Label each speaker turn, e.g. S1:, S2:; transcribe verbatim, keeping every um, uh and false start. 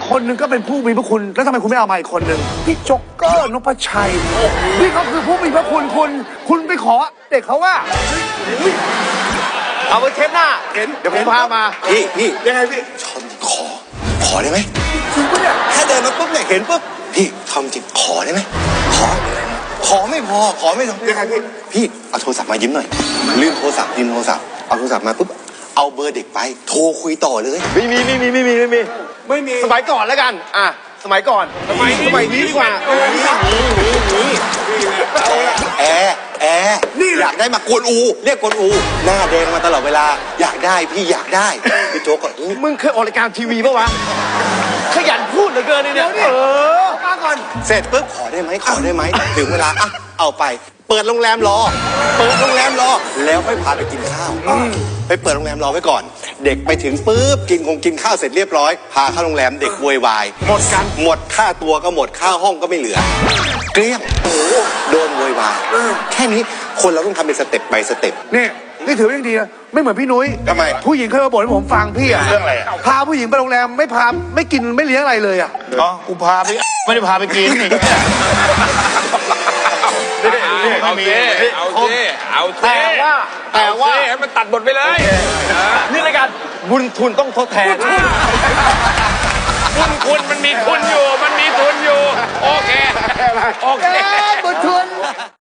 S1: คนหนึ่งก็เป็นผู้มีพระคุณแล้วทำไมคุณไม่เอามาอีกคนหนึ่งพี่โจ๊กเกอร์นพชัยนี่เขาคือผู้มีพระคุณคุณคุณไปขอเด็กเขาว่า
S2: เอาไปเทปหน้าเห็นเดี๋ยวผมพามา
S3: พี่พี่
S1: ยังไงพี่
S3: ชอบขอ ขอได้ไหม
S1: จริงปะเนี่ย
S3: แค่เดินมาปุ๊บเนี่ยเห็นปุ๊บพี่ทำจริงขอได้ไหมขอ ขอไม่พอขอไม่พอ
S1: ยังไงพี่
S3: พี่เอาโทรศัพท์มายิ้มหน่อยลืมโทรศัพท์ลืมโทรศัพท์เอาโทรศัพท์มาปุ๊บเอาเบอร์เด็กไปโทรคุยต่อเลย
S2: ไม่มีไม่มีไม่มีไม่มี
S1: ไม่มี
S2: สมัยก่อนแล้วกันอ่ะสมัยก่อนสมัยนี้สมัยนี้ดีกว่า
S3: แอร์แอร์นี่อยากได้มากวนอูเรียกกวนอูหน้าแดงมาตลอดเวลาอยากได้พี่อยากได้พี่โจ๊กก็อื้อ
S2: มึงเคยออกรายการทีวีปะวะขยันพูดเหลือเกินเนี่ยเออ
S1: มาก่อน
S3: เสร็จปุ๊บขอได้ไหมขอได้ไหมถึงเวลาอ่ะเอาไป เปิดโรงแรมรอ เปิดโรงแรมรอแล้วค่อยพาไปกินข้าวไปเปิดโรงแรมรอไว้ก่อน เด็กไปถึงปุ๊บกินคงกินข้าวเสร็จเรียบร้อยพาเข้าโรงแรมเด็กโวยวายหมดกันหมดค่าตัวก็หมดค่าห้องก็ไม่เหลือ เกลี้ยงโอ้โหโดนโวยวายแค่นี้คนเราต้องทำเป็นสเต็ปbyสเต็ป
S1: นี่นี่ถือว่ายังดีนะไม่เหมือนพี่นุ้ย
S3: ทำไม
S1: ผู้หญิงเคยมาบ่นให้ผมฟังพี่อะ
S3: เรื่องอะไรอะ
S1: พาผู้หญิงไปโรงแรมไม่พาไม่กินไม่เลี้ยงอะไรเลยอะ
S4: อ๋อกูพาไปไม่ได้พาไปกินนี่
S5: เอาเซ่เอาเซ่เอาเซ่
S2: แต่ว่าแต่ว่า
S5: เอเซ่ให้มันตัดบทไปเลย
S2: นี่รายการบุญทุนต้องทดแทน
S5: คุณคุณมันมีทุนอยู่ มันมีทุนอยู่ โอเค โอเค
S1: บุญทุน